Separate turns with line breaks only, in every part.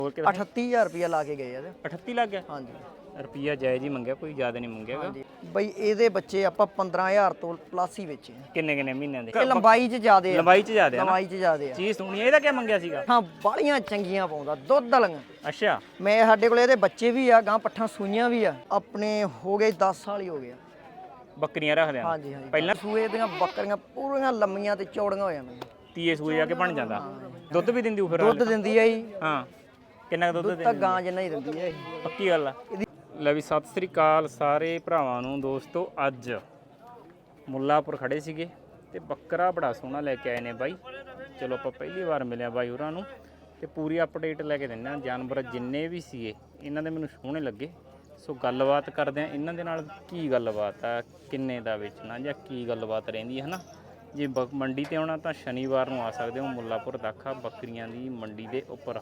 ਹੋਰ ਕਿ
38000 ਰੁਪਇਆ ਲਾ ਕੇ ਗਏ ਇਹਦੇ।
38 ਲੱਗ ਗਿਆ
ਹਾਂਜੀ
ਰੁਪਈਆ ਜਾਇਜ਼ ਹੀ ਮੰਗਿਆ, ਕੋਈ ਜ਼ਿਆਦਾ ਨਹੀਂ ਮੰਗਿਆਗਾ।
ਹਾਂਜੀ ਬਈ ਇਹਦੇ ਬੱਚੇ ਆਪਾਂ 15000 ਤੋਂ ਪਲੱਸ ਹੀ ਵੇਚੇ ਆ।
ਕਿੰਨੇ ਮਹੀਨਿਆਂ ਦੇ?
ਇਹ ਲੰਬਾਈ 'ਚ ਜ਼ਿਆਦੇ ਆ।
ਲੰਬਾਈ 'ਚ ਜ਼ਿਆਦਾ ਆ ਨਾ?
ਲੰਬਾਈ 'ਚ ਜ਼ਿਆਦੇ ਆ।
ਚੀਜ਼ ਸੋਹਣੀ ਇਹਦਾ ਕੀ ਮੰਗਿਆ ਸੀਗਾ?
ਹਾਂ ਬਾਲੀਆਂ ਚੰਗੀਆਂ ਪਾਉਂਦਾ, ਦੁੱਧ ਵਾਲੀਆਂ।
ਅੱਛਾ
ਮੈਂ ਸਾਡੇ ਕੋਲ ਇਹਦੇ ਬੱਚੇ ਵੀ ਆ, ਗਾਂ ਪੱਠਾਂ ਸੂਈਆਂ ਵੀ ਆ। ਆਪਣੇ ਹੋ ਗਏ 10 ਸਾਲ ਹੀ ਹੋ ਗਏ ਆ।
ਬੱਕਰੀਆਂ ਰੱਖਦੇ ਆ?
ਹਾਂਜੀ ਹਾਂਜੀ
ਪਹਿਲਾਂ
ਸੂਏ ਦੀਆਂ ਬੱਕਰੀਆਂ ਪੂਰੀਆਂ ਲੰਮੀਆਂ ਤੇ ਚੌੜੀਆਂ ਹੋ ਜਾਂਦੀਆਂ।
ਤੀਏ ਸੂਏ ਜਾ ਕੇ ਬਣ ਜਾਂਦਾ। ਦੁੱਧ ਵੀ ਦਿੰਦੀ ਉਹ ਫਿਰ?
ਦੁੱਧ ਦਿੰਦੀ ਆ ਜੀ।
ਹਾਂ ਕਿੰਨਾ ਕੁ ਦੁੱਧ
ਤਾਂ
ਦਿੰਦੀ?
ਗਾਂ ਜਿੰਨਾ ਹੀ ਦਿੰਦੀ ਆ ਇਹ।
ਪੱਕੀ ਗੱਲ ਆ। ਲੈ ਵੀ ਸਤਿ ਸ੍ਰੀ ਅਕਾਲ ਸਾਰੇ ਭਰਾਵਾਂ ਨੂੰ। ਦੋਸਤੋ ਅੱਜ ਮੁੱਲਾਪੁਰ ਖੜੇ ਸੀਗੇ ਤੇ ਬੱਕਰਾ ਬੜਾ ਸੋਹਣਾ ਲੈ ਕੇ ਆਏ ਨੇ ਬਾਈ। ਚਲੋ ਆਪਾਂ ਪਹਿਲੀ ਵਾਰ ਮਿਲਿਆ ਬਾਈ ਹੋਰਾਂ ਨੂੰ ਤੇ ਪੂਰੀ ਅਪਡੇਟ ਲੈ ਕੇ ਦਿੰਦੇ ਆ। ਜਾਨਵਰ ਜਿੰਨੇ ਵੀ ਸੀਗੇ ਇਹਨਾਂ ਦੇ ਮੈਨੂੰ ਸੋਹਣੇ ਲੱਗੇ, ਸੋ ਗੱਲਬਾਤ ਕਰਦੇ ਆ ਇਹਨਾਂ ਦੇ ਨਾਲ। ਕੀ ਗੱਲਬਾਤ ਆ, ਕਿੰਨੇ ਦਾ ਵੇਚਣਾ ਜਾਂ ਕੀ ਗੱਲਬਾਤ ਰਹਿੰਦੀ ਹੈ ਨਾ। ਜੇ ਮੰਡੀ ਤੇ ਆਉਣਾ ਤਾਂ ਸ਼ਨੀਵਾਰ ਨੂੰ ਆ ਸਕਦੇ ਹੋ ਮੁੱਲਾਪੁਰ ਦਾਖਾ ਬੱਕਰੀਆਂ ਦੀ ਮੰਡੀ ਦੇ ਉੱਪਰ।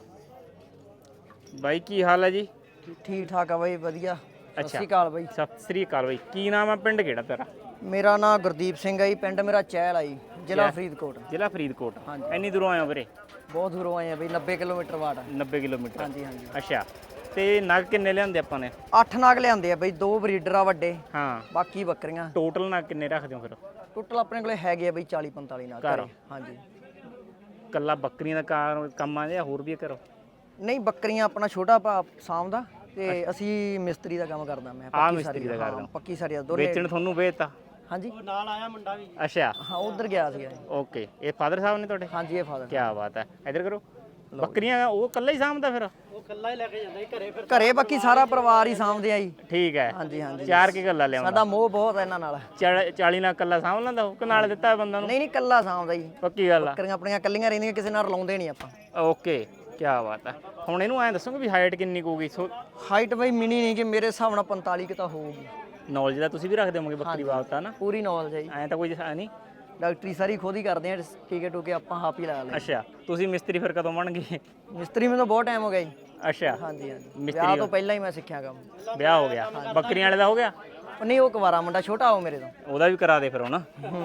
ਬਾਈ ਕੀ ਹਾਲ ਹੈ ਜੀ?
ਠੀਕ ਠਾਕ ਆ ਬਾਈ, ਵਧੀਆ। ਸਤਿ
ਅੱਛਾ।
ਸ਼੍ਰੀ ਅਕਾਲ ਬਾਈ।
ਸਤਿ ਸ੍ਰੀ ਅਕਾਲ ਬਾਈ। ਕੀ ਨਾਮ ਆ, ਪਿੰਡ ਕਿਹੜਾ ਤੇਰਾ?
ਮੇਰਾ ਨਾਮ ਗੁਰਦੀਪ ਸਿੰਘ ਆ ਜੀ, ਪਿੰਡ ਮੇਰਾ ਚਹਿਲ ਆ ਜੀ, ਜ਼ਿਲ੍ਹਾ ਫਰੀਦਕੋਟ।
ਜ਼ਿਲ੍ਹਾ ਫਰੀਦਕੋਟ।
ਹਾਂਜੀ।
ਇੰਨੀ ਦੂਰੋਂ ਆਏ ਹੋ ਵੀਰੇ?
ਬਹੁਤ ਦੂਰੋਂ ਆਏ ਆ ਬਈ, 90 ਕਿਲੋਮੀਟਰ ਵਾਟ।
90 ਕਿਲੋਮੀਟਰ।
ਹਾਂਜੀ ਹਾਂਜੀ।
ਅੱਛਾ ਤੇ ਨਗ ਕਿੰਨੇ ਲਿਆਂਦੇ ਆਪਾਂ ਨੇ?
8 ਨਾਗ ਲਿਆਂਦੇ ਆ ਬਈ, 2 ਬਰੀਡਰ ਆ ਵੱਡੇ,
ਹਾਂ।
ਬਾਕੀ ਬੱਕਰੀਆਂ।
ਟੋਟਲ ਨਗ ਕਿੰਨੇ ਰੱਖਦੇ ਹੋ ਫਿਰ?
ਟੋਟਲ ਆਪਣੇ ਕੋਲੇ ਹੈਗੇ ਆ ਬਈ 40 45 ਨਾਗ
ਘਰ?
ਘਰੇ। ਹਾਂਜੀ।
ਕੱਲਾ ਬੱਕਰੀਆਂ ਦਾ ਕੰਮ ਆ ਜਾਂ ਹੋਰ ਵੀ ਕਰੋ?
ਨਹੀਂ ਬੱਕਰੀਆਂ ਆਪਣਾ ਛੋਟਾ ਭਾ ਸਾਂਭਦਾ ਤੇ ਅਸੀਂ ਮਿਸਤਰੀ ਦਾ ਕੰਮ ਕਰਦਾ। ਮੈਂ
ਮਿਸਤਰੀ ਦਾ ਕਰਦਾ।
ਪੱਕੀ ਸਾਰੀ ਦਾ ਦੋਨੇ।
ਵੇਚਣ ਤੁਹਾਨੂੰ ਵੇਚਤਾ?
ਹਾਂਜੀ
ਨਾਲ ਆਇਆ ਮੁੰਡਾ ਵੀ।
ਅੱਛਾ
ਹਾਂ ਉਧਰ ਗਿਆ ਸੀਗਾ।
ਓਕੇ। ਇਹ ਫਾਦਰ ਸਾਹਿਬ ਨੇ ਤੁਹਾਡੇ?
ਹਾਂਜੀ ਇਹ ਫਾਦਰ।
ਕੀ ਬਾਤ ਹੈ। ਇੱਧਰ ਕਰੋ। ਬੱਕਰੀਆਂ ਉਹ ਕੱਲਾ ਹੀ ਸਾਂਭਦਾ ਫਿਰ?
ਉਹ ਕੱਲਾ ਹੀ ਲੈ ਕੇ ਜਾਂਦਾ ਸੀ ਘਰੇ। ਫਿਰ
ਘਰੇ ਬਾਕੀ ਸਾਰਾ ਪਰਿਵਾਰ ਹੀ ਸਾਂਭਦੇ ਆ ਜੀ।
ਠੀਕ ਹੈ।
ਹਾਂਜੀ ਹਾਂਜੀ।
ਚਾਰ ਕੀ ਗੱਲਾਂ ਲਿਆਉਂਦਾ?
ਸਾਡਾ ਮੋਹ ਬਹੁਤ ਹੈ ਇਹਨਾਂ ਨਾਲ।
40 ਨਾਲ ਕੱਲਾ ਸਾਂਭ ਲੈਂਦਾ ਉਹ ਕਿ ਨਾਲ ਦਿੱਤਾ ਬੰਦਾ ਨੂੰ?
ਨਹੀਂ ਨਹੀਂ ਕੱਲਾ ਸਾਂਭਦਾ ਜੀ।
ਪੱਕੀ ਗੱਲ ਆ।
ਬੱਕਰੀਆਂ ਆਪਣੀਆਂ ਕੱਲੀਆਂ ਰਹਿੰਦੀਆਂ, ਕਿਸੇ ਨਾਲ ਰਲਾਉਂਦੇ ਨਹੀਂ ਆਪਾਂ।
ਓਕੇ ਕੀ ਬਾਤ ਹੈ। ਹੁਣ ਇਹਨੂੰ ਐਂ ਦੱਸੋਗੇ ਵੀ ਹਾਈਟ ਕਿੰਨੀ ਕੁ ਹੋਊਗੀ?
ਹਾਈਟ ਬਈ ਮਿਨੀ ਨਹੀਂ, ਕਿ ਮੇਰੇ ਹਿਸਾਬ ਨਾਲ 45 ਕਿ ਤਾਂ ਹੋਊਗੀ।
ਨੌਲੇਜ ਦਾ ਤੁਸੀਂ ਵੀ ਰੱਖਦੇ ਹੋਵੋਗੇ ਬੱਕਰੀ ਬਾਬਤ ਨਾ?
ਪੂਰੀ ਨੌਲੇਜ ਹੈ ਜੀ।
ਐਂ ਤਾਂ ਕੋਈ ਨਹੀਂ।
ਡਾਕਟਰੀ ਸਾਰੀ ਖੁਦ ਹੀ ਕਰਦੇ ਆ, ਟੀਕੇ ਟੂਕੇ ਆਪਾਂ ਆਪ ਹੀ ਲਾ ਲਏ।
ਅੱਛਾ ਤੁਸੀਂ ਮਿਸਤਰੀ ਫਿਰ ਕਦੋਂ ਬਣ ਗਏ?
ਮਿਸਤਰੀ ਮੈਨੂੰ ਬਹੁਤ ਟਾਈਮ ਹੋ ਗਿਆ ਜੀ।
ਅੱਛਾ
ਹਾਂਜੀ ਹਾਂਜੀ।
ਮਿਸਤਰੀ
ਵਿਆਹ ਤੋਂ ਪਹਿਲਾਂ ਹੀ ਮੈਂ ਸਿੱਖਿਆ ਕੰਮ।
ਵਿਆਹ ਹੋ ਗਿਆ? ਬੱਕਰੀਆਂ ਵਾਲੇ ਦਾ ਹੋ ਗਿਆ?
ਉਹ ਨਹੀਂ, ਉਹ ਕੁਵਾਰਾ ਮੁੰਡਾ ਛੋਟਾ ਉਹ ਮੇਰੇ ਤੋਂ।
ਉਹਦਾ ਵੀ ਕਰਾ ਦੇ ਫਿਰ ਹੁਣ।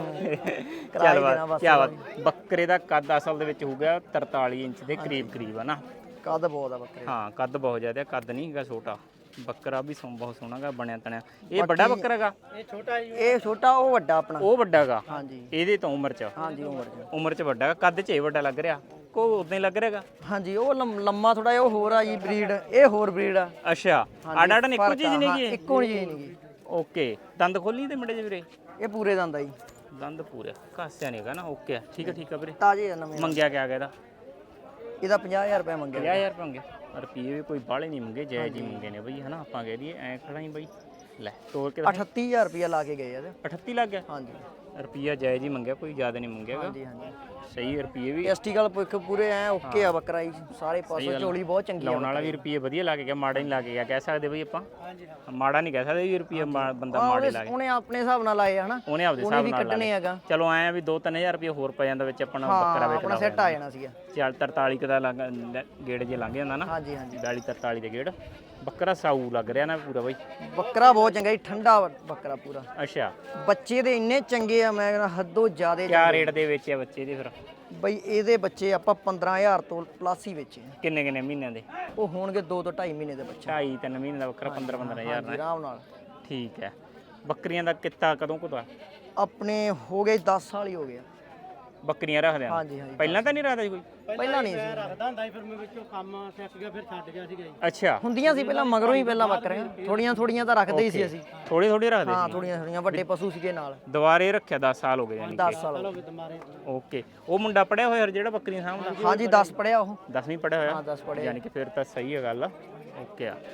ਚੱਲ ਬਾਤ ਕੀ ਬਾਤ। ਬੱਕਰੇ ਦਾ ਕੱਦ ਅਸਲ ਦੇ ਵਿੱਚ ਹੋ ਗਿਆ 43 ਇੰਚ ਦੇ ਕਰੀਬ ਆ ਨਾ?
ਕੱਦ ਬਹੁਤ ਆ ਬੱਕਰੇ।
ਹਾਂ ਕੱਦ ਬਹੁਤ ਜ਼ਿਆਦਾ, ਕੱਦ ਨਹੀਂ ਹੈਗਾ ਛੋਟਾ। ਬੱਕਰਾ ਵੀ ਬਹੁਤ ਸੋਹਣਾ ਗਾ ਬਣਿਆ ਤਣਿਆ। ਇਹ ਵੱਡਾ ਬੱਕਰਾ ਹੈਗਾ?
ਇਹ ਛੋਟਾ ਜੀ।
ਇਹ ਛੋਟਾ, ਉਹ ਵੱਡਾ ਆਪਣਾ।
ਉਹ ਵੱਡਾ ਹੈਗਾ?
ਹਾਂਜੀ
ਇਹਦੇ ਤੋਂ ਉਮਰ ਚ?
ਹਾਂਜੀ
ਉਮਰ ਚ ਵੱਡਾ ਹੈਗਾ, ਕੱਦ ਚ ਇਹ ਵੱਡਾ ਲੱਗ ਰਿਹਾ ਕੋ ਉਦਾਂ ਹੀ ਲੱਗ ਰਿਹਾਗਾ?
ਹਾਂਜੀ ਉਹ ਲੰਮਾ ਥੋੜਾ ਜਿਹਾ, ਉਹ ਹੋਰ ਆ ਜੀ ਬਰੀਡ, ਇਹ ਹੋਰ ਬਰੀਡ ਆ।
ਅੱਛਾ ਆਡਾ ਨਹੀਂ ਇੱਕੋ ਚੀਜ਼ ਨਹੀਂ ਹੈਗੀ?
ਇੱਕੋ ਚੀਜ਼ ਨਹੀਂ ਗੀ।
ਓਕੇ। ਦੰਦ ਖੋਲੀ ਤੇ ਮਿੰਡੇ ਜਿਹੇ ਵੀਰੇ?
ਇਹ ਪੂਰੇ ਦੰਦ ਆ ਜੀ।
ਦੰਦ ਪੂਰੇ, ਘਾਸਿਆ ਨਹੀਂ ਹੈਗਾ ਨਾ? ਓਕੇ ਠੀਕ ਆ ਵੀਰੇ।
ਤਾਜ਼ੇ ਆ ਨਵੇਂ।
ਮੰਗਿਆ ਕਿਆ ਗਿਆ
ਇਹਦਾ 50000 ਰੁਪਏ ਮੰਗਿਆ।
50000 ਰੁਪਏ ਮੰਗੇ? ਰੁਪਈਏ ਵੀ ਕੋਈ ਬਾਹਲੇ ਨਹੀਂ ਮੰਗੇ, ਜਾਇਜ਼ ਹੀ ਮੰਗੇ ਨੇ ਬਈ ਹਨਾ। ਆਪਾਂ ਕਹਿ ਦਈਏ ਐ ਖੜਾ ਹੀ ਬਈ। ਲੈ ਤੋੜ ਕੇ
38000 ਰੁਪਏ ਲਾ ਕੇ ਗਏ ਇਹਦੇ।
38 ਲੱਗ ਗਿਆ?
ਹਾਂਜੀ
ਰੁਪਈਆ ਜਾਇਜ਼ ਹੀ ਮੰਗਿਆ, ਕੋਈ ਜ਼ਿਆਦਾ ਨਹੀਂ ਮੰਗਿਆਗਾ।
ਹਾਂਜੀ ਹਾਂਜੀ।
ਸਹੀ ਰੁਪਈਏ ਵੀ
ਟੈਸਟੀਕਲ ਪੁੱਖ ਪੂਰੇ ਐ ਓਕੇ ਆ ਬੱਕਰਾ ਜੀ, ਸਾਰੇ ਪਾਸੇ ਝੋਲੀ ਬਹੁਤ ਚੰਗੀ ਆ।
ਲਾਉਣ ਵਾਲਾ ਵੀ ਰੁਪਈਏ ਵਧੀਆ ਲਾ ਕੇ ਗਿਆ, ਮਾੜਾ ਨਹੀਂ ਲਾ ਕੇ ਗਿਆ ਕਹਿ ਸਕਦੇ ਬਈ ਆਪਾਂ? ਮਾੜਾ ਨਹੀਂ ਕਹਿ ਸਕਦੇ ਵੀ ਰੁਪਈਆ ਬੰਦਾ ਮਾੜੇ ਲਾ ਕੇ।
ਉਹਨੇ ਆਪਣੇ ਹਿਸਾਬ ਨਾਲ ਲਾਏ ਹਨਾ,
ਉਹਨੇ ਆਪਦੇ
ਉਹਨੇ
ਹਿਸਾਬ
ਵੀ
ਨਾਲ
ਕੱਢਣੇ ਹੈਗਾ।
ਚਲੋ ਐਂ ਵੀ 2-3000 ਰੁਪਏ ਹੋਰ ਪੈ ਜਾਂਦਾ ਵਿੱਚ ਆਪਣਾ ਬੱਕਰਾ ਵੇਚਦਾ।
ਆਪਣਾ ਸੈੱਟ ਆ ਜਾਣਾ ਸੀਗਾ।
ਚੱਲ 43 ਕ ਦਾ ਗੇੜ ਜੇ ਲੰਘ ਜਾਂਦਾ ਨਾ?
ਹਾਂਜੀ ਹਾਂਜੀ।
42-43 ਦੇ ਗੇੜ। ਬੱਕਰਾ ਸਾਊ ਲੱਗ ਰਿਹਾ ਨਾ ਪੂਰਾ ਬਈ?
ਬੱਕਰਾ ਬਹੁਤ ਚੰਗਾ ਜੀ, ਠੰਡਾ ਬੱਕਰਾ ਪੂਰਾ।
ਅੱਛਾ
ਬੱਚੇ ਦੇ ਇੰਨੇ ਚੰਗੇ ਆ, ਮੈਂ ਕਹਿੰਦਾ ਹੱਦੋਂ ਜ਼ਿਆਦੇ।
ਕਿਆ ਰੇਟ ਦੇ ਵੇਚਿਆ ਬੱਚੇ ਦੇ ਫਿਰ?
ਬਈ ਇਹਦੇ ਬੱਚੇ ਆਪਾਂ 15000 ਤੋਂ ਪਲੱਸ ਹੀ ਵੇਚੇ।
ਕਿੰਨੇ ਮਹੀਨਿਆਂ ਦੇ?
ਉਹ ਹੋਣਗੇ 2 ਤੋਂ 2.5 ਮਹੀਨੇ ਦੇ ਬੱਚੇ।
2.5-3 ਮਹੀਨੇ ਦਾ ਬੱਕਰਾ 15-15000 ਨਾਲ?
ਆਰਾਮ ਨਾਲ।
ਠੀਕ ਹੈ। ਬੱਕਰੀਆਂ ਦਾ ਕਿੱਤਾ ਕਦੋਂ ਕੁ ਦਾ?
ਆਪਣੇ ਹੋ ਗਏ 10 ਸਾਲ ਹੀ ਹੋ ਗਏ।
ਬੱਕਰੀਆਂ ਰੱਖਦੇ ਆ?
ਹਾਂਜੀ ਹਾਂਜੀ।
ਪਹਿਲਾਂ ਤਾਂ ਨਹੀਂ ਰੱਖਦਾ ਸੀ ਕੋਈ?
ਪਹਿਲਾਂ ਨਹੀਂ ਸੀ
ਰੱਖਦਾ ਹੁੰਦਾ ਸੀ, ਫਿਰ ਮੈਂ ਵਿੱਚੋਂ ਕੰਮ ਸਿੱਖ ਗਿਆ, ਫਿਰ ਛੱਡ ਗਿਆ ਸੀਗਾ ਜੀ।
ਅੱਛਾ
ਹੁੰਦੀਆਂ ਸੀ ਪਹਿਲਾਂ, ਮਗਰੋਂ ਹੀ ਪਹਿਲਾਂ ਬੱਕਰੀਆਂ ਥੋੜੀਆਂ ਤਾਂ ਰੱਖਦੇ ਹੀ ਸੀ ਅਸੀਂ।
ਥੋੜੀ ਰੱਖਦੇ
ਹਾਂ
ਸੀ?
ਥੋੜੀਆਂ ਵੱਡੇ ਪਸ਼ੂ ਸੀਗੇ ਨਾਲ।
ਦੁਬਾਰੇ ਰੱਖਿਆ 10 ਸਾਲ ਹੋ ਗਏ ਯਾਨੀ?
10 ਸਾਲ
ਚਲੋ ਵੀ ਤੁਹਾਰੇ।
ਓਕੇ। ਉਹ ਮੁੰਡਾ ਪੜਿਆ ਹੋਇਆ ਜਿਹੜਾ ਬੱਕਰੀਆਂ ਸਾਂਭਦਾ?
ਹਾਂਜੀ 10 ਪੜਿਆ ਉਹ।
10ਵੀਂ ਪੜਿਆ ਹੋਇਆ?
ਹਾਂ 10 ਪੜਿਆ।
ਯਾਨੀ ਕਿ ਫਿਰ ਤਾਂ ਸਹੀ ਹੈ ਗੱਲ। ਓਕੇ ਆ।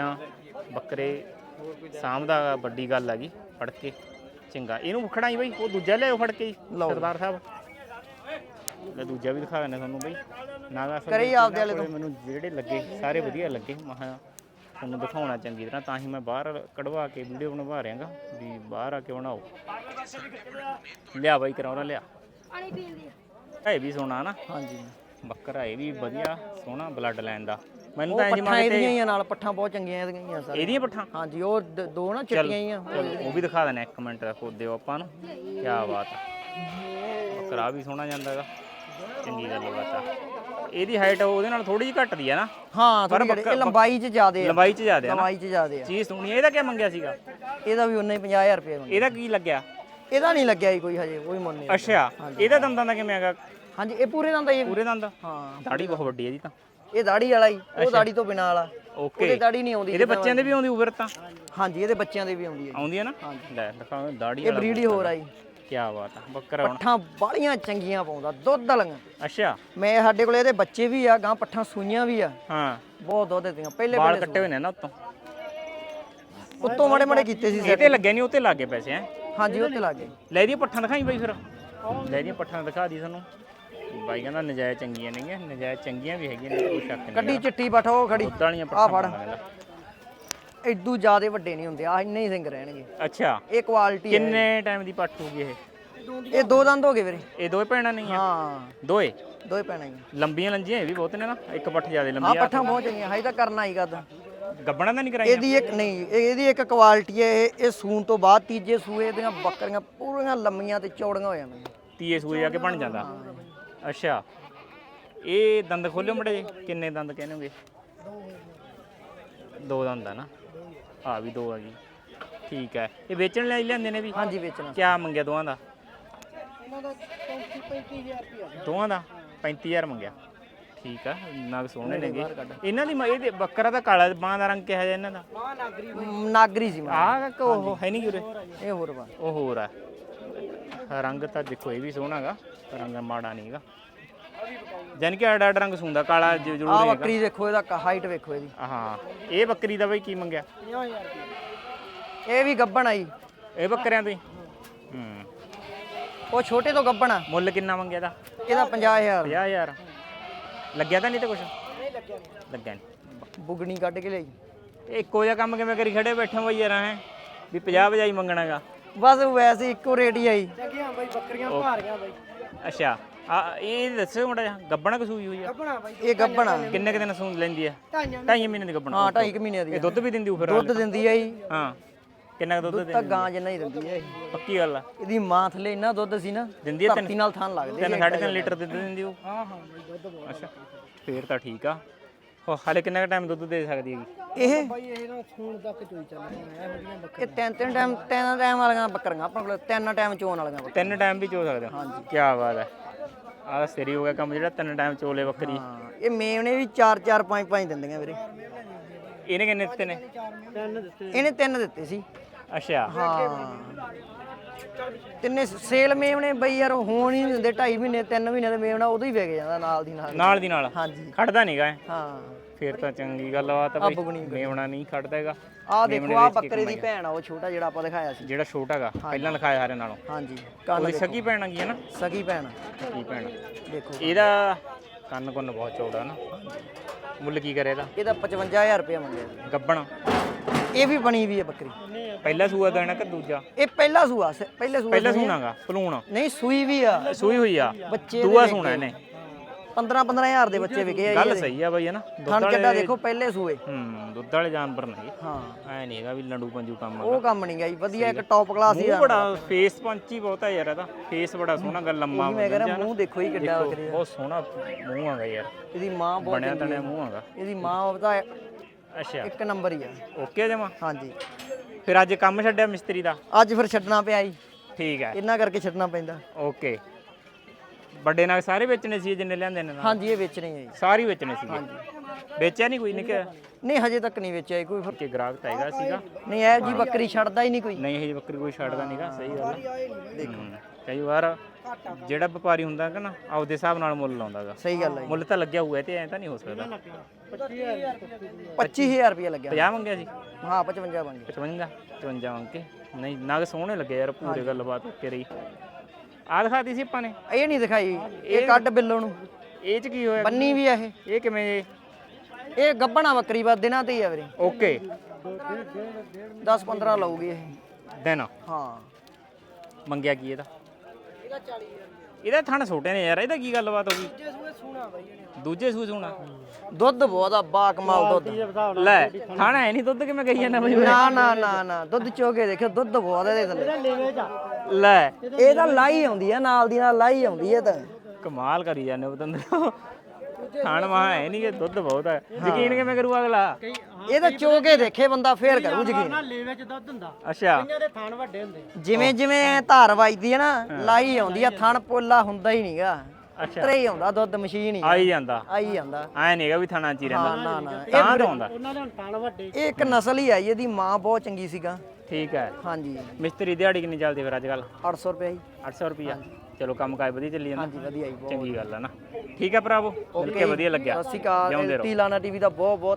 ਬੱਕਰੇ ਸਾਂਭਦਾ ਵੱਡੀ ਗੱਲ ਹੈਗੀ। ਫੜ ਕੇ ਚੰਗਾ ਇਹਨੂੰ ਖੜਾਈ ਬਈ। ਉਹ ਦੂਜਾ ਲਿਆਓ ਫੜ ਕੇ ਸਰਦਾਰ ਸਾਹਿਬ। ਲੈ ਦੂਜਾ ਵੀ ਦਿਖਾ ਦਿੰਦੇ ਤੁਹਾਨੂੰ ਬਈ। ਨਾਗਾ
ਕਰੀ ਆਪਦੇ ਵਾਲੇ ਤੋਂ।
ਮੈਨੂੰ ਜਿਹੜੇ ਲੱਗੇ ਸਾਰੇ ਵਧੀਆ ਲੱਗੇ। ਮੈਂ ਤੁਹਾਨੂੰ ਦਿਖਾਉਣਾ ਚੰਗੀ ਤਰ੍ਹਾਂ, ਤਾਂ ਹੀ ਮੈਂ ਬਾਹਰ ਕਢਵਾ ਕੇ ਵੀਡੀਓ ਬਣਵਾ ਰਿਹਾਗਾ ਵੀ ਬਾਹਰ ਆ ਕੇ ਬਣਾਓ। ਲਿਆ ਬਾਈ ਕਰਾਉਣਾ ਲਿਆ। ਇਹ ਵੀ ਸੋਹਣਾ ਨਾ?
ਹਾਂਜੀ
ਬੱਕਰਾ ਇਹ ਵੀ ਵਧੀਆ ਸੋਹਣਾ ਬਲੱਡ ਲਾਈਨ ਦਾ। ਮੈਨੂੰ ਤਾਂ
ਪੱਠਾਂ ਇਹਦੀਆਂ ਹੀ ਆ ਨਾਲ, ਪੱਠਾਂ ਬਹੁਤ ਚੰਗੀਆਂ ਇਹਦੀਆਂ ਹੀ ਆ ਸਾਰੀਆਂ।
ਇਹਦੀਆਂ ਪੱਠਾਂ?
ਹਾਂਜੀ ਉਹ 2 ਨਾ ਚਿੱਟੀਆਂ ਹੀ ਆ।
ਉਹ ਵੀ ਦਿਖਾ ਦੇਣਾ, ਇੱਕ ਮਿੰਟ ਦਿਓ ਆਪਾਂ ਨੂੰ। ਕੀ ਬਾਤ ਆ। ਬੱਕਰਾ ਵੀ ਸੋਹਣਾ ਜਾਂਦਾ ਹੈਗਾ, ਚੰਗੀ ਗੱਲ ਬਾਤ ਆ। ਇਹਦੀ ਹਾਈਟ ਉਹਦੇ ਨਾਲ ਥੋੜੀ ਜਿਹੀ ਘੱਟਦੀ ਆ ਨਾ
ਹਾਂ ਥੋੜੀ ਇਹ ਲੰਬਾਈ 'ਚ ਜ਼ਿਆਦੇ ਆ,
ਲੰਬਾਈ 'ਚ ਜ਼ਿਆਦਾ ਆ ਨਾ
ਲੰਬਾਈ 'ਚ ਜ਼ਿਆਦੇ ਆ।
ਚੀਜ਼ ਸੋਹਣੀ ਆ। ਇਹਦਾ ਕੀ ਮੰਗਿਆ ਸੀਗਾ?
ਇਹਦਾ ਵੀ ਉਨਾ ਹੀ 50,000 ਰੁਪਏ ਮੰਗਿਆ।
ਇਹਦਾ ਕੀ ਲੱਗਿਆ?
ਇਹਦਾ ਨਹੀਂ ਲੱਗਿਆ ਜੀ ਕੋਈ ਹਜੇ, ਕੋਈ ਮੁੱਲ ਨਹੀਂ।
ਅੱਛਾ ਇਹਦਾ ਦੰਦਾਂ ਦਾ ਕਿਵੇਂ ਹੈਗਾ?
ਹਾਂਜੀ ਇਹ ਪੂਰੇ ਦੰਦ ਆ ਜੀ।
ਪੂਰੇ ਦੰਦ?
ਹਾਂ
ਦਾੜੀ ਬਹੁਤ ਵੱਡੀ ਹੈ ਇਹਦੀ ਤਾਂ।
ਇਹ ਦਾੜੀ ਵਾਲਾ ਹੀ, ਉਹ ਦਾੜੀ ਤੋਂ ਬਿਨਾਂ ਵਾਲਾ।
ਓਕੇ
ਉਹਦੇ ਦਾੜੀ ਨਹੀਂ ਆਉਂਦੀ।
ਇਹਦੇ ਬੱਚਿਆਂ ਦੇ ਵੀ ਆਉਂਦੀ ਉਬਰ ਤਾਂ?
ਹਾਂਜੀ ਇਹਦੇ ਬੱਚਿਆਂ ਦੇ ਵੀ ਆਉਂਦੀ ਹੈ।
ਆਉਂਦੀ ਹੈ ਨਾ? ਲੈ ਦਿਖਾਓ ਦਾੜੀ
ਇਹ ਬਰੀਡ ਹੀ ਹੋਰ ਆ ਜੀ।
ਕੀ ਬਾਤ ਆ। ਬੱਕਰਾ ਹੁਣ
ਪੱਠਾਂ ਬਾਲੀਆਂ ਚੰਗੀਆਂ ਪਾਉਂਦਾ, ਦੁੱਧ ਵਾਲੀਆਂ।
ਅੱਛਾ
ਮੈਂ ਸਾਡੇ ਕੋਲ ਇਹਦੇ ਬੱਚੇ ਵੀ ਆ, ਗਾਂ ਪੱਠਾਂ ਸੂਈਆਂ ਵੀ ਆ,
ਹਾਂ
ਬਹੁਤ ਦੁੱਧ ਦਿੰਦੀਆਂ। ਪਹਿਲੇ
ਵਾਲ ਕੱਟੇ ਹੋਏ ਨੇ ਨਾ ਉੱਤੋਂ?
ਉੱਤੋਂ ਮਾੜੇ ਮਾੜੇ ਕੀਤੇ ਸੀ
ਇਹ ਤੇ ਲੱਗਿਆ ਨਹੀਂ, ਉੱਤੇ ਲੱਗੇ ਪੈਸੇ ਹੈ?
ਹਾਂਜੀ ਉੱਤੇ ਲੱਗ ਗਏ।
ਲੈ ਦੀਆਂ ਪੱਠਾਂ ਦਿਖਾਈ ਬਾਈ ਫਿਰ। ਲੈ ਦੀਆਂ ਪੱਠਾਂ ਦਿਖਾ ਦੀ ਸਾਨੂੰ। ਬਾਈ ਕਹਿੰਦਾ ਨਜਾਇਜ਼ ਚੰਗੀਆਂ ਨਹੀਂ, ਨਜਾਇਜ਼ ਚੰਗੀਆਂ ਵੀ ਹੈਗੀਆਂ ਨੇ, ਕੋਈ ਸ਼ੱਕ ਨਹੀਂ।
ਕੱਢੀ ਚਿੱਟੀ ਪੱਠ ਉਹ ਖੜੀ,
ਦੁੱਧ ਵਾਲੀਆਂ
ਆ
ਪੱਠਾਂ
ਫੜ।
ਮੰਗਦਾ।
ਐਡੂ ਜ਼ਿਆਦੇ ਵੱਡੇ ਨਹੀਂ ਹੁੰਦੇ, ਆ ਇੰਨੇ ਹੀ ਸਿੰਗ ਰਹਿਣਗੇ।
ਅੱਛਾ
ਇਹ ਕੁਆਲਿਟੀ ਹੈ।
ਕਿੰਨੇ ਟਾਈਮ ਦੀ ਪੱਠ ਹੋਊਗੀ ਇਹ?
ਇਹ ਦੋ ਦੰਦ ਹੋ ਗਏ ਵੀਰੇ।
ਇਹ ਦੋਏ ਭੈਣਾਂ ਨਹੀਂ ਆ?
ਹਾਂ
ਦੋਏ
ਦੋਏ ਪੈਣਾ ਹੀ।
ਲੰਬੀਆਂ ਲੰਜੀਆਂ ਇਹ ਵੀ ਬਹੁਤ ਨੇ ਨਾ, ਇੱਕ ਪੱਠ ਜ਼ਿਆਦਾ
ਹਾਂ
ਲੰਬੀ ਆ।
ਪੱਠਾਂ ਬਹੁਤ ਚੰਗੀਆਂ, ਹਜੇ ਤਾਂ ਕਰਨਾ ਹੀ ਕਰਦਾ।
ਗੱਬਣਾ ਤਾਂ ਨਹੀਂ ਕਰਾਈਆਂ?
ਇਹਦੀ ਇੱਕ ਨਹੀਂ, ਇਹਦੀ ਇੱਕ ਕੁਆਲਿਟੀ ਹੈ, ਇਹ ਸੂਣ ਤੋਂ ਬਾਅਦ ਤੀਜੇ ਸੂਏ ਦੀਆਂ ਬੱਕਰੀਆਂ ਪੂਰੀਆਂ ਲੰਮੀਆਂ ਤੇ ਚੌੜੀਆਂ ਹੋ ਜਾਂਦੀਆਂ।
ਤੀਏ ਸੂਏ ਜਾ ਕੇ ਬਣ ਜਾਂਦਾ। ਅੱਛਾ ਇਹ ਦੰਦ ਖੋਲਿਓ ਮੜੇ ਜੀ, ਕਿੰਨੇ ਦੰਦ ਕਹਿੰਦੇ ਹੋਗੇ? ਦੋ ਦੰਦ ਆ ਨਾ, ਆ ਵੀ ਦੋ ਆ ਗਈ। ਠੀਕ ਹੈ ਇਹ ਵੇਚਣ ਲਈ ਲਿਆਂਦੇ ਨੇ ਵੀ?
ਹਾਂਜੀ ਵੇਚਣਾ।
ਕਿਆ ਮੰਗਿਆ ਦੋਵਾਂ ਦਾ?
ਇਹਨਾਂ ਦਾ 35,000 ਰੁਪਏ।
ਦੋਵਾਂ ਦਾ 35,000 ਮੰਗਿਆ। ਠੀਕ ਆ ਨਗ ਸੋਹਣੇ ਨੇਗੇ ਇਹਨਾਂ ਦੀ। ਇਹਦੇ ਬੱਕਰਾ ਦਾ ਕਾਲਾ ਬਾਂਹ ਦਾ ਰੰਗ ਕਿਹਾ ਜਾ ਇਹਨਾਂ ਦਾ?
ਮਾਂ ਨਾਗਰੀ
ਨਾਗਰੀ ਸੀ ਮਾਂ।
ਆਹ ਕਿ ਉਹ ਹੈ ਨਹੀਂ ਉਰੇ?
ਇਹ ਹੋਰ ਵਾ।
ਉਹ ਹੋਰ ਆ। ਰੰਗ ਤਾਂ ਦੇਖੋ ਇਹ ਵੀ ਸੋਹਣਾਗਾ, ਰੰਗ ਮਾੜਾ ਨਹੀਂਗਾ। ਜਾਨ ਕਿ ਅੱਡ ਅੱਡ ਰੰਗ ਸੁੰਦਾ, ਕਾਲਾ ਜ਼ਰੂਰ
ਆ
ਹੈਗਾ।
ਬੱਕਰੀ ਦੇਖੋ, ਇਹਦਾ ਹਾਈਟ ਵੇਖੋ ਇਹਦੀ।
ਹਾਂ ਇਹ ਬੱਕਰੀ ਦਾ ਬਈ ਕੀ ਮੰਗਿਆ?
50,000 ਰੁਪਏ।
ਇਹ ਵੀ ਗੱਬਣ ਆਈ।
ਇਹ ਬੱਕਰਿਆਂ ਦੀ
ਉਹ ਛੋਟੇ ਤੋਂ ਗੱਬਣ ਆ।
ਮੁੱਲ ਕਿੰਨਾ ਮੰਗਿਆ ਦਾ?
ਇਹਦਾ 50,000।
50,000 ਲੱਗਿਆ ਤਾਂ ਨਹੀਂ ਤੇ ਕੁਛ?
ਨਹੀਂ ਲੱਗਿਆ ਨਹੀਂ।
ਲੱਗਿਆ ਨਹੀਂ।
ਬੁਗਣੀ ਕੱਢ ਕੇ ਲਈ।
ਇਹ ਇੱਕੋ ਜਿਹਾ ਕੰਮ ਕਿਵੇਂ ਕਰੀ ਖੜੇ ਬੈਠੇ ਹੋ ਯਾਰ? ਹੈ ਵੀ 50 ਵਜਾਈ ਮੰਗਣਾਗਾ?
ਬਸ ਵੈਸੇ ਇੱਕੋ ਰੇਟ ਹੀ ਆਈ।
ਚੰਗੀਆਂ ਬਾਈ ਬੱਕਰੀਆਂ ਭਾਰੀਆਂ ਬਾਈ।
ਅੱਛਾ ਆ ਇਹ ਦੱਸੋ ਮੁੰਡਾ ਜਿਹਾ ਗੱਬਣਾ ਕਸੂਈ ਹੋਈ ਆ?
ਗੱਭਣਾ ਬਾਈ।
ਇਹ ਗੱਬਣ ਆ।
ਕਿੰਨੇ ਕੁ ਦਿਨ ਸੂਣ ਲੈਂਦੀ ਆ?
ਢਾਈਆਂ
2.5 ਮਹੀਨੇ ਦੀ ਗੱਬਣਾ?
ਹਾਂ 2.5 ਮਹੀਨਿਆਂ ਦੀ
ਇਹ ਦੁੱਧ ਵੀ ਦਿੰਦੀ ਉਹ ਫਿਰ?
ਦੁੱਧ ਦਿੰਦੀ ਆ ਜੀ।
ਹਾਂ ਕਿੰਨਾ ਕੁ ਦੁੱਧ
ਤਾਂ
ਦਿੰਦੀ?
ਗਾਂ ਜਿੰਨਾ ਹੀ ਦਿੰਦੀ ਆ ਇਹ।
ਪੱਕੀ ਗੱਲ ਆ?
ਇਹਦੀ ਮਾਂ ਥੱਲੇ ਇੰਨਾ ਦੁੱਧ ਸੀ ਨਾ,
ਦਿੰਦੀ ਆ
ਧਰਤੀ ਨਾਲ ਥਾਨ ਲੱਗਦੇ।
3.5 ਲੀਟਰ ਦੁੱਧ ਦਿੰਦੀ ਉਹ?
ਹਾਂ ਹਾਂ ਬਾਈ ਦੁੱਧ ਬਹੁਤ।
ਅੱਛਾ ਫੇਰ ਤਾਂ ਠੀਕ ਆ। ਹਾਲੇ ਕਿੰਨਾ ਕੁ ਟਾਈਮ ਦੁੱਧ ਦੇ ਸਕਦੀ ਹੈਗੀ?
ਇਹ
ਬਾਈ ਇਹ ਨਾ ਸੂਣ ਤੱਕ ਚੋਈ ਚੱਲਦੀਆਂ ਇਹੋ ਜਿਹੀਆਂ ਬੱਕਰੀਆਂ।
ਇਹ ਤਿੰਨ ਟਾਈਮ ਵਾਲੀਆਂ ਬੱਕਰੀਆਂ ਆਪਣੇ ਕੋਲ, 3 ਟਾਈਮ ਚੋਣ ਵਾਲੀਆਂ ਬੱਕਰੀਆਂ।
3 ਟਾਈਮ ਵੀ ਚੋ ਸਕਦੇ ਹੋ? ਹਾਂਜੀ ਕੀ ਬਾਤ ਹੈ। ਆਹ ਸਰੀ ਹੋ ਗਿਆ ਕੰਮ ਜਿਹੜਾ 3 ਟਾਈਮ ਚੋਲੇ ਬੱਕਰੀ।
ਹਾਂ ਇਹ ਮੇਵਨੇ ਵੀ 4 5 ਦਿੰਦੀਆਂ ਵੀਰੇ।
ਇਹਨੇ ਕਿੰਨੇ ਦਿੱਤੇ ਨੇ?
ਤਿੰਨ ਦਿੱਤੇ।
ਇਹਨੇ 3 ਦਿੱਤੇ ਸੀ।
ਅੱਛਾ
ਹਾਂ ਤਿੰਨੇ ਸੇਲ ਮੇਵਨੇ ਬਈ ਯਾਰ ਹੋਣ ਹੀ ਨਹੀਂ ਦਿੰਦੇ। 2.5 ਮਹੀਨੇ 3 ਮਹੀਨੇ ਦੇ ਮੇਵਨਾ ਉਦੋਂ ਹੀ ਵਿਕ ਜਾਂਦਾ ਨਾਲ ਦੀ ਨਾਲ।
ਨਾਲ ਦੀ ਨਾਲ?
ਹਾਂਜੀ
ਖੜਦਾ ਨਹੀਂਗਾ?
ਹਾਂ
ਫੇਰ ਤਾਂ ਚੰਗੀ ਗੱਲ ਆ ਤਾਂ ਬਈ। ਮੇਵਣਾ ਨਹੀਂ ਖੜਦਾ ਹੈਗਾ।
ਆਹ ਦੇਖੋ ਆਹ ਬੱਕਰੇ ਦੀ ਭੈਣ ਆ, ਉਹ ਛੋਟਾ ਜਿਹੜਾ ਆਪਾਂ ਦਿਖਾਇਆ ਸੀ।
ਜਿਹੜਾ ਛੋਟਾ ਹੈਗਾ ਪਹਿਲਾਂ ਲਿਖਾਇਆ ਸਾਰਿਆਂ ਨਾਲੋਂ?
ਹਾਂਜੀ ਕੰਨ
ਉਹਦੀ ਸਕੀ ਭੈਣ ਹੈਗੀ ਹੈ ਨਾ?
ਸਗੀ ਭੈਣ
ਸਕੀ ਭੈਣ।
ਦੇਖੋ
ਇਹਦਾ ਕੰਨ ਕੁੰਨ ਬਹੁਤ ਚੌੜਾ ਨਾ। ਮੁੱਲ ਕੀ ਕਰੇ ਇਹਦਾ?
ਇਹਦਾ 55,000 ਰੁਪਏ ਮੰਗਿਆ।
ਗੱਬਣ?
ਇਹ ਵੀ ਬਣੀ ਵੀ ਹੈ ਬੱਕਰੀ।
ਪਹਿਲਾ ਸੂਆ ਦੇਣਾ ਕਿ ਦੂਜਾ?
ਇਹ ਪਹਿਲਾ ਸੂਆ ਪਹਿਲੇ ਸੂਆ
ਪਹਿਲਾ ਸੂਣਾਗਾ ਪਲੂਣ?
ਨਹੀਂ ਸੂਈ ਵੀ ਆ।
ਸੂਈ ਹੋਈ ਆ?
ਬੱਚੇ
ਦੂਆ ਸੂਣਾ ਇਹਨੇ?
15,000 ਦੇ ਬੱਚੇ ਵਿਕੇ ਆ।
ਗੱਲ ਸਹੀ ਆ ਬਈ ਹੈ ਨਾ?
ਥਣ ਚੱਡਾ ਦੇਖੋ ਪਹਿਲੇ ਸੂਏ।
ਦੁੱਧ ਵਾਲੇ ਜਾਨਵਰ ਨਹੀਂ
ਹਾਂ
ਐ ਨਹੀਂ ਹੈਗਾ ਵੀ ਲੰਡੂ ਪੰਜੂ ਕੰਮ
ਉਹ ਕੰਮ ਨਹੀਂ ਗਈ, ਵਧੀਆ ਇੱਕ ਟੌਪ ਕਲਾਸ ਹੀ
ਮੂੰਹ ਬੜਾ ਫੇਸ ਪੰਚੀ ਬਹੁਤ ਆ ਯਾਰ ਇਹਦਾ। ਫੇਸ ਬੜਾ ਸੋਹਣਾ ਗੱਲ ਲੰਮਾ
ਮੈਂ ਕਹਿੰਦਾ ਮੂੰਹ ਦੇਖੋ ਹੀ ਕਿੱਡਾ ਬੱਕਰੀ ਦਾ।
ਬਹੁਤ ਸੋਹਣਾ ਮੂੰਹ ਆਗਾ ਯਾਰ।
ਇਹਦੀ ਮਾਂ ਬਹੁਤ
ਬਣਿਆ ਤਣਿਆ ਮੂੰਹ ਆਗਾ।
ਇਹਦੀ ਮਾਂ ਉਹਦਾ
ਅੱਛਾ
ਇੱਕ ਨੰਬਰ ਹੀ ਆ।
ਓਕੇ ਜਮਾ।
ਹਾਂਜੀ
ਫਿਰ ਅੱਜ ਕੰਮ ਛੱਡਿਆ ਮਿਸਤਰੀ ਦਾ?
ਅੱਜ ਫਿਰ ਛੱਡਣਾ ਪਿਆ ਜੀ,
ਠੀਕ ਹੈ
ਇਹਨਾਂ ਕਰਕੇ ਛੱਡਣਾ ਪੈਂਦਾ।
ਓਕੇ ਵੱਡੇ ਨਾਲ ਸਾਰੇ ਵੇਚਣੇ ਸੀ ਜਿੰਨੇ ਲਿਆਂਦੇ ਨੇ ਨਾਲ?
ਹਾਂਜੀ ਇਹ ਵੇਚਣੇ ਆ ਜੀ।
ਸਾਰੇ ਵੇਚਣੇ ਸੀਗੇ? ਵੇਚਿਆ ਨਹੀਂ ਕੋਈ ਨਿੱਕਿਆ?
ਨਹੀਂ ਹਜੇ ਤੱਕ ਨਹੀਂ ਵੇਚਿਆ ਕੋਈ। ਫਿਰ
ਕਿ ਗ੍ਰਾਹਕ ਤਾਂ ਹੈਗਾ ਸੀਗਾ?
ਨਹੀਂ ਇਹ ਜੀ ਬੱਕਰੀ ਛੱਡਦਾ ਹੀ ਨਹੀਂ ਕੋਈ।
ਨਹੀਂ ਇਹ ਬੱਕਰੀ ਕੋਈ ਛੱਡਦਾ ਨਹੀਂਗਾ। ਸਹੀ ਗੱਲ ਹੈ। ਕਈ ਵਾਰ ਜਿਹੜਾ ਵਪਾਰੀ ਹੁੰਦਾ ਕਿ ਨਾ ਆਪਦੇ ਹਿਸਾਬ ਨਾਲ ਮੁੱਲ ਲਾਉਂਦਾਗਾ।
ਸਹੀ ਗੱਲ ਹੈ ਜੀ।
ਮੁੱਲ ਤਾਂ ਲੱਗਿਆ ਹੋਊਗਾ ਤੇ ਐ ਤਾਂ ਨਹੀਂ ਹੋ ਸਕਦਾ।
25,000 ਰੁਪਏ ਲੱਗਿਆ।
50 ਮੰਗਿਆ ਸੀ?
ਹਾਂ 55 ਬਣ ਗਏ।
55 ਮੰਗ ਕੇ ਨਹੀਂ ਨਗ ਸੋਹਣੇ ਲੱਗੇ ਯਾਰ। ਪੂਰੇ ਗੱਲਬਾਤ ਓਕੇ ਰਹੀ। ਆਹ ਦਿਖਾਤੀ ਸੀ ਆਪਾਂ ਨੇ?
ਇਹ ਨਹੀਂ ਦਿਖਾਈ, ਇਹ ਕੱਢ ਬਿੱਲੋ ਨੂੰ।
ਇਹ ਚ ਕੀ ਹੋਇਆ?
ਬੰਨੀ ਵੀ ਆ ਇਹ।
ਇਹ ਕਿਵੇਂ?
ਇਹ ਗੱਬਣਾ ਬੱਕਰੀ ਬਸ ਦਿਨਾਂ ਤੇ ਹੀ ਆ ਵੀਰੇ।
ਓਕੇ
10-15 ਲਊਗੀ ਇਹ
ਦਿਨ।
ਹਾਂ
ਮੰਗਿਆ ਕੀ ਇਹਦਾ?
ਇਹਦਾ 40,000।
ਇਹਦਾ ਥਣ ਛੋਟੇ ਨੇ ਯਾਰ। ਇਹਦਾ ਕੀ ਗੱਲਬਾਤ ਹੋ ਗਈ?
ਜੇ ਸੂਏ ਸੂਣਾ ਬਾਈ ਇਹਨੇ।
ਦੂਜੇ ਸੂਏ ਸੋਣਾ?
ਦੁੱਧ ਬਹੁਤ ਆ, ਬਾ ਕਮਾਲ ਦੁੱਧ।
ਲੈ ਥਣ ਐ ਨਹੀਂ ਦੁੱਧ ਕਿਵੇਂ ਕਹੀ ਜਾਂਦਾ ਬਈ?
ਨਾ ਦੁੱਧ ਚੋਕੇ ਦੇਖਿਓ, ਦੁੱਧ ਬਹੁਤ ਇਹਦੇ ਥੱਲੇ।
ਇਹਦਾ ਲੇਵੇ ਜਾ।
ਲੈ
ਇਹ ਤਾਂ ਲਾਈ ਆਉਂਦੀ ਆ, ਨਾਲ ਦੀ ਨਾਲ ਲਾਈ ਆਉਂਦੀ ਆ ਤਾਂ।
ਕਮਾਲ ਕਰੀ ਜਾਂਦੇ ਉਹ ਬੰਦੇ। ਥਾਣ ਮਹਾ ਹੈ ਨਹੀਂ ਕਿ ਦੁੱਧ ਬਹੁਤ ਹੈ ਯਕੀਨ ਕਿਵੇਂ ਕਰੂ ਅਗਲਾ
ਇਹ ਤਾਂ ਚੋ ਕੇ ਦੇਖੇ ਬੰਦਾ ਫੇਰ ਕਰੂ ਯਕੀਨ।
ਨਾ ਲੇਵੇ ਚ ਦੁੱਧ ਹੁੰਦਾ,
ਅੱਛਾ
ਕਈਆਂ ਦੇ ਥਣ ਵੱਡੇ ਹੁੰਦੇ।
ਜਿਵੇਂ ਜਿਵੇਂ ਧਾਰ ਵੱਜਦੀ ਹੈ ਨਾ ਲਾਈ ਆਉਂਦੀ ਆ, ਥਣ ਪੋਲਾ ਹੁੰਦਾ ਹੀ ਨਹੀਂਗਾ, ਤਰੇ ਹੀ ਆਉਂਦਾ ਦੁੱਧ ਮਸ਼ੀਨ ਹੀ
ਆਈ ਜਾਂਦਾ
ਆਈ ਜਾਂਦਾ।
ਐ ਨਹੀਂਗਾ ਵੀ ਥਾਣਾ ਚ ਹੀ
ਹਾਂ
ਰਹਿੰਦਾ
ਨਾ ਨਾ
ਤਾਂ ਤੋਂ ਆਉਂਦਾ
ਉਹਨਾਂ ਦੇ ਹੁਣ ਥਣ ਵੱਡੇ।
ਇਹ ਇੱਕ ਨਸਲ ਹੀ ਆਈ, ਇਹਦੀ ਮਾਂ ਬਹੁਤ ਚੰਗੀ ਸੀਗਾ।
ਠੀਕ ਹੈ
ਹਾਂਜੀ
ਮਿਸਤਰੀ ਦਿਹਾੜੀ ਕਿੰਨੀ ਚੱਲਦੀ ਫਿਰ ਅੱਜ ਕੱਲ
800 ਰੁਪਏ ਜੀ।
800 ਰੁਪਿਆ ਚਲੋ ਕੰਮ ਕਾਜ ਵਧੀਆ ਚੱਲੀ ਜਾਂਦਾ
ਹਾਂਜੀ ਵਧੀਆ ਜੀ ਬਹੁਤ।
ਚੰਗੀ ਗੱਲ ਹੈ ਨਾ ਠੀਕ ਹੈ ਭਰਾਵੋ ਮਿਲ ਕੇ ਵਧੀਆ ਲੱਗਿਆ
ਸਤਿ ਸ਼੍ਰੀ ਅਕਾਲ,
ਜਿਉਂਦੇ ਰਹੋ।
ਟੀ ਲਾਣਾ ਟੀਵੀ ਦਾ ਬਹੁਤ ਬਹੁਤ